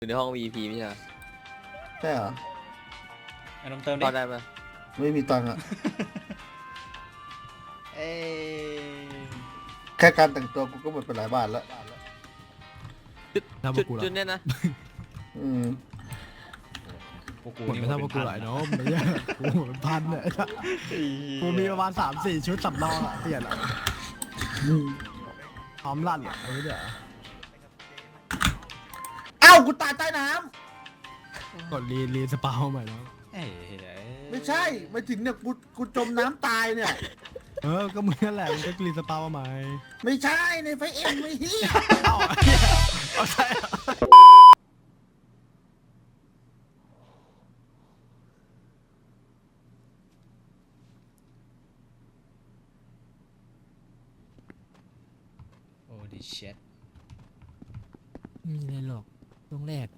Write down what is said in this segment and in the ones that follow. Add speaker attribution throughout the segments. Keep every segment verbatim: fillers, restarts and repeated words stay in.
Speaker 1: อยู่ในห้อง วี พี ไม่ใช่เหรอ
Speaker 2: ใช่เหรอ
Speaker 3: เอานมเติมดิ
Speaker 1: เข้าได้ปะ
Speaker 2: ไม่มีตังค์อะ
Speaker 3: เอ้ย
Speaker 2: แค่การแต่งตัวกูก็หมดไปหลายบาทแล้ว
Speaker 4: ทำ
Speaker 1: จุ
Speaker 4: มา
Speaker 1: ด
Speaker 4: กูหร
Speaker 1: จุ
Speaker 4: อ
Speaker 1: ดเนี้ยนะ
Speaker 2: อืม
Speaker 3: พวกกู
Speaker 4: หมด
Speaker 3: นี่
Speaker 4: ไม่
Speaker 3: มัน
Speaker 4: ทำ
Speaker 3: เป็
Speaker 4: มาน กู
Speaker 3: พัน
Speaker 4: หลายน้องไม่ใช่กูหมดเป็นพันเนี่ยกูมีประมาณสามสี่ชุดสำรองอะเปลี่ยนอะพร้อมลั่นอะเอาไว้เดี๋ยว
Speaker 2: เอ้ากูตายใต้น้
Speaker 4: กดรีรีสปาใหม่น้อง
Speaker 3: เอ้ย
Speaker 2: ำไม่ใช่ไม่ถึงเนี่ยกูกูจมน้ำตายเนี่ย
Speaker 4: เออก็มึงนั่นแหละมึงก็รีสปาใหม่
Speaker 2: ไม่ใช่ในไฟเอ็มไม่เฮีย
Speaker 4: เอาเอาใช่
Speaker 3: โอ้ดิเช็ด
Speaker 4: มีอะไรหรอกช่วงแรก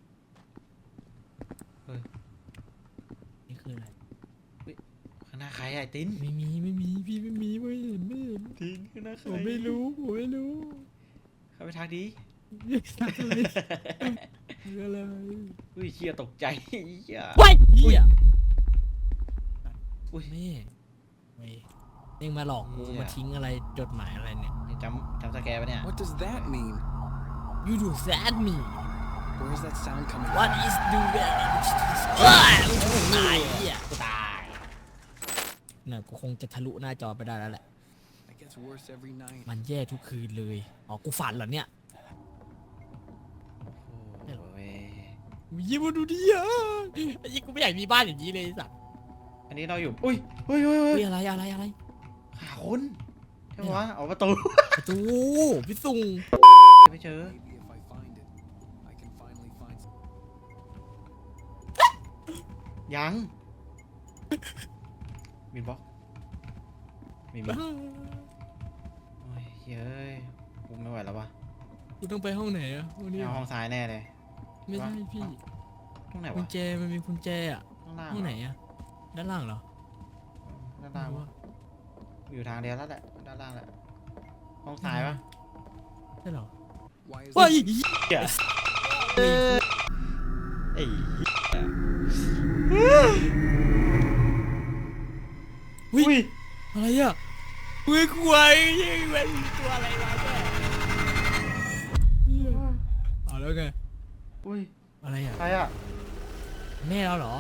Speaker 3: เฮ้ย
Speaker 4: นี่คืออะไร
Speaker 3: ข้างหน้าใครอะไอ้ติน
Speaker 4: ไม่มีไม่มีพี่ไม่มีไม่เห็นไม่เห็น
Speaker 3: ตินข้างหน้าใคร
Speaker 4: ผมไม่รู้ผมไม่รู้
Speaker 3: เข้าไปทักดี
Speaker 4: ทักเลยคืออะไร
Speaker 3: อุ้ยเชี่ยตกใจเหี้ย
Speaker 4: ว้ายเหี้ย
Speaker 3: อุ้ย
Speaker 4: แม่เว้ยเองมาหลอกกู
Speaker 3: เหี้ย
Speaker 4: มาทิ้งอะไรจดหมายอะไรเนี่ย
Speaker 3: จำจำสแกร์ปะเนี่ย
Speaker 5: What does that mean?
Speaker 4: You do that me
Speaker 5: Where's that sound coming
Speaker 4: What
Speaker 5: from?
Speaker 4: is do that ว้ายตายเหี้ย
Speaker 3: กูตาย
Speaker 4: น่ะกูคงจะทะลุหน้าจอไปได้แล้วแหละ
Speaker 5: It gets worse every night.
Speaker 4: มันแย่ทุกคืนเลยอ๋อกูฝันเหรอเนี่ย
Speaker 3: โอ้ย
Speaker 4: ยิ้มมาดูดิอ่ะไอ้ยี่กูไม่อยากมีบ้านอย่างนี้เลยไอ้สัตว์
Speaker 3: อันนี้เราอยู่อุ้ยอุ้ยอุ้ยอุ้
Speaker 4: เฮ้
Speaker 3: ย
Speaker 4: ยอะไรอะไรอะไร
Speaker 3: หาคนใช่ปะวะออกประตู
Speaker 4: ประตูพี่ซุง
Speaker 3: ไม่เจอ
Speaker 5: Maybe if I find it, I can finally find some.
Speaker 3: ยังมีบล็อกมีมีโอ้ยเย้ยกูไม่ไหวแล้ววะ
Speaker 4: กูต้องไปห้องไหนอ่ะวันนี้
Speaker 3: เอาห้องซ้ายแน่เลย
Speaker 4: ไม่ใช่พี่
Speaker 3: ห้องไหน
Speaker 4: กุ
Speaker 3: วะ
Speaker 4: ญแจมันมีกุญแจอ่ะ
Speaker 3: ข้างล่าง
Speaker 4: ห้องไหนอ่ะด้านล่างเหรอ
Speaker 3: ด้านล่างวะอยู่ทางเดียวแล้วแหละด้านล่างแหละห้องซ้ายปะ
Speaker 4: ใช่เหรอ
Speaker 5: Why is
Speaker 4: เฮ้ย
Speaker 5: it?
Speaker 3: เหี้ยไอ้เหี้ย
Speaker 4: อุ้ยอะไรอ่ะเฮ้ยควายยังเป็นตัวอะไรมาเนี่ยเอาแล้วไง
Speaker 3: อุ้ย
Speaker 4: อะไรอ่ะ
Speaker 3: ใครอ่ะ
Speaker 4: แม่เราเหรอ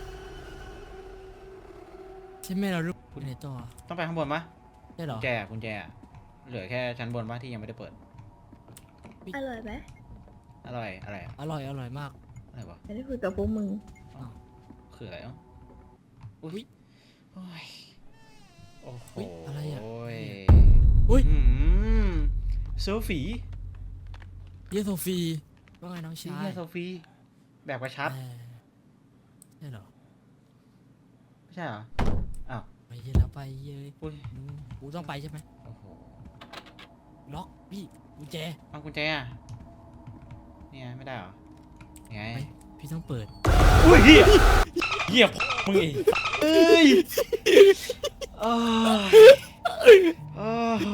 Speaker 4: ใช่แม่เราหรือคุณในจอ
Speaker 3: ต้องไปข้างบนปะ
Speaker 4: ใช่เหร
Speaker 3: กุ
Speaker 4: อ
Speaker 3: ญแจกุญแจเหลือแค่ชั้นบนปะที่ยังไม่ได้เปิด
Speaker 6: อร่อยไหม
Speaker 3: อร่อยอะไรอะ
Speaker 4: อร่อยอร่อยมาก
Speaker 3: อะไรวะ
Speaker 6: ไม่ได้คุยกับพวกมึง
Speaker 3: คืออะไรอ่ะอุ้ยโอ้ยโอ้โห
Speaker 4: อุ๊ยอะไรอะ
Speaker 3: อุ้ย
Speaker 4: อุ๊ย
Speaker 3: อืมโซฟี
Speaker 4: เยโซฟีว่าไงน้อง
Speaker 3: ชี้
Speaker 4: ชาย
Speaker 3: เนี่ยโซฟีแบบกระชับ
Speaker 4: เออใช่เหรอ
Speaker 3: ไม่ใช่เหรออ้าว
Speaker 4: ไปเยอะแล้วไปเยอะ
Speaker 3: อุ้ย
Speaker 4: อืมกูต้องไปใช่ไหม
Speaker 3: โอ้โห
Speaker 4: ล็อกพี่กุญแจ
Speaker 3: เอากุญแจอ่ะนี่ไงไม่ได้เหรอไง
Speaker 4: ไปพี่ต้องเปิด
Speaker 3: อุ้ยเหี้ยเหี้ยมึงอีกเอ้ยโอ้ยโอ้โห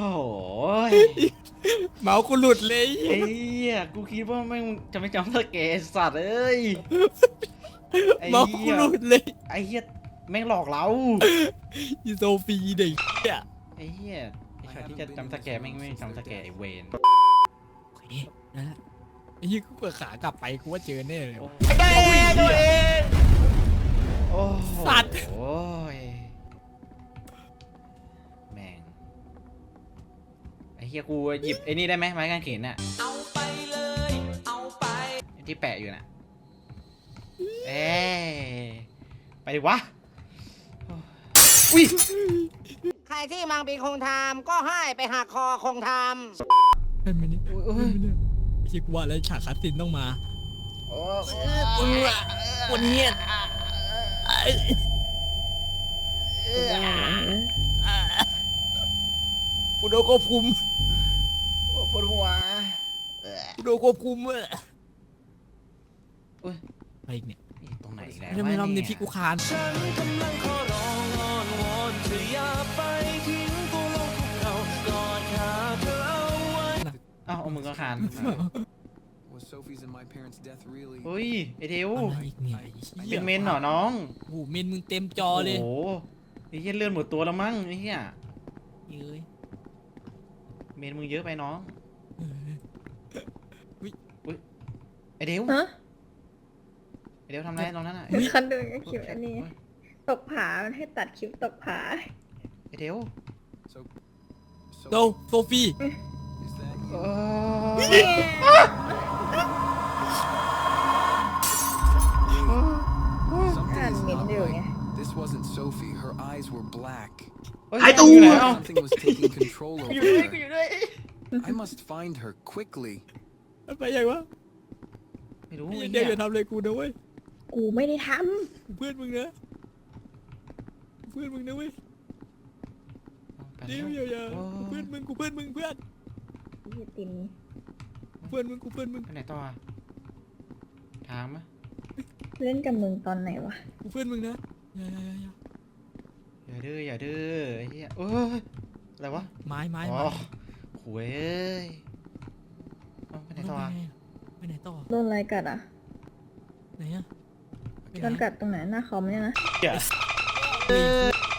Speaker 4: เมาส์กูหลุดเลย
Speaker 3: ไอ้เหี้ยกูคิดว่าแม่งจะไม่จำสเกตสัตว์เอ้ยไอ้
Speaker 4: เมาส์
Speaker 3: เหี้
Speaker 4: กู
Speaker 3: ย
Speaker 4: หลุดเลย
Speaker 3: ไอ้เหี้ยแม่งหลอกเรา
Speaker 4: เยโซฟีเด็กเนี่ย
Speaker 3: ไอ้เหี้ยไอ้ช็อตที่จะจำสแกร์แม่งไม่จำสแกร์ไอ้เวน
Speaker 4: โอเคนั่นแหละไอ้ยี่กูเปิดขากลับไปกูว่าเจอแน่เลย
Speaker 3: ไอ้ตัวเองโอ้โห
Speaker 4: สัตว์
Speaker 3: โอ้ยแม่งไอ้เหี้ยกูหยิบไอ้นี่ได้ไหมไม้กางเขนน่ะเอาไปเลยเอาไปที่แปะอยู่น่ะเอ้ยไปดิวะอุ้ย
Speaker 7: ใครที่มังปีคงทำก็ให้ไปหักคอคงทำ
Speaker 4: เป็นไหมเนี่ย
Speaker 3: โอ้ย
Speaker 4: เป็นไหมเนี่ยไอ้ยี่กูว่าแล้วฉากคัสซินต้องมา
Speaker 3: โอ้
Speaker 4: วันนี้วันนี้กูโดนควบคุม
Speaker 3: ปวดหัว
Speaker 4: กูโดนควบคุมเว้ย
Speaker 3: อุ้ย
Speaker 4: อะไรอีกเนี่ย
Speaker 3: นี่ตรงไหนอีกแล้ว
Speaker 4: ไม่ได้ไม่รอบนี้พี่กูคาน
Speaker 3: เอ้าเอามือก็คาน
Speaker 5: Was Sophie's and my parents' death really.
Speaker 3: เฮ้ยไอเทว
Speaker 1: อะไรอีกเนี่ยไอ้เหี้ย
Speaker 3: เป็นเมนเหรอน้อง
Speaker 1: โอ้โหเมนมึงเต็มจอเลย
Speaker 3: โอ้โหไอ้เหี้ยเลื่อนหมดตัวแล้วมั้งไอ้เหี้ย
Speaker 1: เอ้ย
Speaker 3: เมนมึงเยอะไปน้อง
Speaker 1: เออ
Speaker 3: ไอเทว
Speaker 6: ฮะ
Speaker 3: ไอเทวทำอะไรตรงนั้นอ่ะ
Speaker 6: คันดูคลิปอันนี้ ตกผา มันให้ตัดคลิปตกผา
Speaker 3: ไอเทว
Speaker 5: So,
Speaker 1: โต
Speaker 5: so
Speaker 1: โซฟี
Speaker 5: is that
Speaker 3: โอ้
Speaker 5: something is
Speaker 6: Ah,
Speaker 5: not
Speaker 6: mình
Speaker 5: right.
Speaker 6: nha.
Speaker 5: This wasn't Sophie. Her eyes were black.
Speaker 3: ไอตูอยู่ไหนอ่ะ
Speaker 5: Something was taking control
Speaker 3: อ
Speaker 5: over
Speaker 3: ยู่ด้วยกูอ
Speaker 5: her.
Speaker 3: ยู่ด้วย
Speaker 5: I must find her quickly.
Speaker 1: มันไปยังวะ
Speaker 3: ไม่รู้
Speaker 1: ไอ้
Speaker 3: ไอ้
Speaker 1: เด็
Speaker 3: เหี้
Speaker 1: ก
Speaker 3: ย
Speaker 1: อย่าทำอะไรกูนะเว้ย
Speaker 6: กูไม่ได้ท
Speaker 1: กูเพื่อนมึงนะกูเพื่อนมึงนะเว้ย
Speaker 3: ไป
Speaker 1: เดี๋
Speaker 3: แล้
Speaker 1: ยว วอย่าอย่า
Speaker 3: โอ้
Speaker 1: กูเพื่อนมึงกูเพื่อนมึงเพื่อน
Speaker 6: ำพี่ติม
Speaker 1: กูเพื่อนมึงกูเพื่อนมึง
Speaker 3: ไปไหนต่ออะทางมะ
Speaker 6: เล่นกับมึงตอนไหนวะ
Speaker 1: กูเพื่อนมึงนะอย่าอย่าอย่าอย่า
Speaker 3: อย่าดื้ออย่าดื้อไอ้เหี้ยเอ้ยอะไรวะ
Speaker 1: ไม้ไม้
Speaker 3: อ๋
Speaker 1: ไม้
Speaker 3: อหวยเอ้ยเอาไปไหนต่ออะ
Speaker 1: ไปไหนต่อ
Speaker 6: โดนอะไรกัดอ่ะ
Speaker 1: ไหนอะไปไห
Speaker 6: โดนกัดตรงไหนหน้าคอมเนี่ยนะ
Speaker 3: เหี้ย